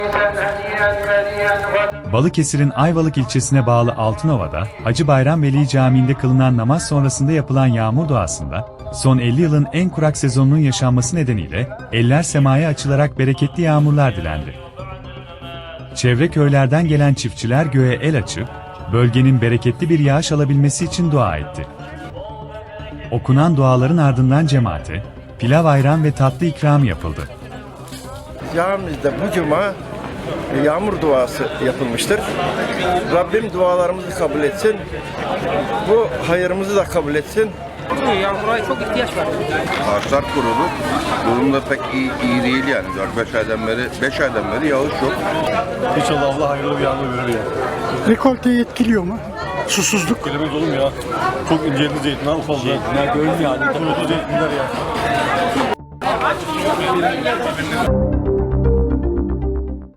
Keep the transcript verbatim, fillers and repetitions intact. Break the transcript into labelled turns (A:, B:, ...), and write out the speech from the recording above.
A: Balıkesir'in Ayvalık ilçesine bağlı Altınova'da, Hacı Bayram Veli Camii'nde kılınan namaz sonrasında yapılan yağmur duasında, son elli yılın en kurak sezonunun yaşanması nedeniyle, eller semaya açılarak bereketli yağmurlar dilendi. Çevre köylerden gelen çiftçiler göğe el açıp, bölgenin bereketli bir yağış alabilmesi için dua etti. Okunan duaların ardından cemaate, pilav ayran ve tatlı ikram yapıldı.
B: Camimizde bu cuma yağmur duası yapılmıştır. Rabbim dualarımızı kabul etsin. Bu hayırımızı da kabul etsin.
C: Yağmura çok ihtiyaç var.
D: Ağaçlar kurudu. Durum da pek iyi, iyi değil yani. dört beş aydan beri, beş aydan beri yağış yok.
E: İnşallah Allah hayırlı bir yağmur verir ya.
F: Rekolteyi etkiliyor mu? Susuzluk.
E: Bilemez oğlum ya. Çok inceldi zeytinler ufaldı. Zeytinler görün yani. Kurudu zeytinler ya.